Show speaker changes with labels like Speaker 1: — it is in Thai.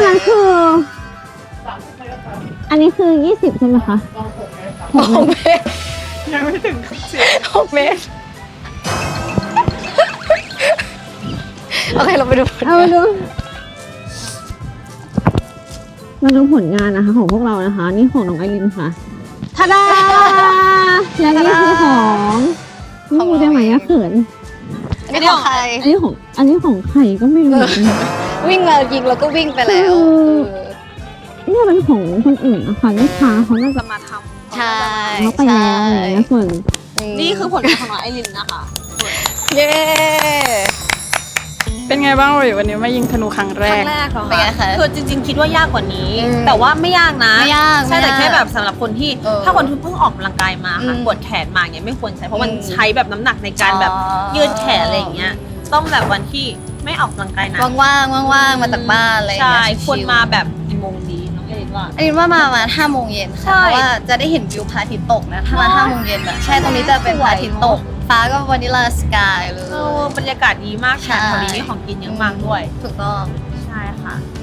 Speaker 1: นั้นคือ อันนี้คือ20ใช่ไหมคะ
Speaker 2: 6 เมตร
Speaker 3: ยังไม่ถึง
Speaker 2: 6 เมตรโอเคเราไปดูผล
Speaker 1: เอามาดูผลงานนะคะของพวกเรานะคะ นี่ของน้องไอรินค่ะทาดาและนี่คือของนี่พูดได้ไหมอะเขิน
Speaker 2: อันนี้ของใคร
Speaker 1: อันนี้ของใครก็ไม่รู้เหมือนกัน
Speaker 2: วิ่งมายิงแล้วก็วิ่งไปแล้ว
Speaker 1: เนี่ยเป็นของคนอื่นนะคะลูกค้าเขาน่าจะมาทำ
Speaker 2: ใช่
Speaker 1: เขาไปแล้วอะไรอย่างเงี้ยส่วน
Speaker 4: นี่คือผลงานของน้องไอรินนะคะ
Speaker 2: เย้
Speaker 3: เป็นไงบ้างวันนี้มายิงธนูครั้งแร
Speaker 4: ครั้
Speaker 3: ก
Speaker 4: งแรกเหรอ
Speaker 2: เป็นไง
Speaker 4: คะ
Speaker 2: คะ
Speaker 4: คือจริงๆ คิดว่ายากกว่านี้
Speaker 2: อืม
Speaker 4: แต่ว่าไม่ยากนะ
Speaker 2: ไม่ยาก
Speaker 4: ใช่แต่
Speaker 2: ไม่ยาก
Speaker 4: แค่แบบสำหรับคนที่ ถ้าคนที่เพิ่งออกกำลังกายมาค่ะ
Speaker 2: อืม
Speaker 4: ปวดแขนมาอย่างเงี้ยไม่ควรใช้เพราะมัน
Speaker 2: อืม
Speaker 4: ใช้แบบน้ำหนักในการแบบ
Speaker 2: อ๋อ
Speaker 4: ยืดแขนอะไรอย่างเงี้ยต้องแบบวันที่ไม่ออกกำลังกายนะ
Speaker 2: ว่างๆว่างๆมาจากบ้านอะไรอย่าง
Speaker 4: ใช่
Speaker 2: เงี้ย
Speaker 4: ควรมาแบบกี่โมงดีน้องเอรินว่า
Speaker 2: อันนี้ว่ามาประมาณ5 โมงเย็น
Speaker 4: ใช่
Speaker 2: ค่ะเพราะว่าจะได้เห็นวิวพระอาทิตย์ตกนะถ้ามา
Speaker 4: อ๋อ
Speaker 2: 5 โมงเย็นอะใช่ตรงนี้จะเป็นพระอาทิตย์ตกฟ้าก็วานิลาสกายเลย
Speaker 4: บรรยากาศดีมากแถวนี้มีของกินเยอะมากด้วย
Speaker 2: ถูกต้อง
Speaker 4: ใช่ค่ะ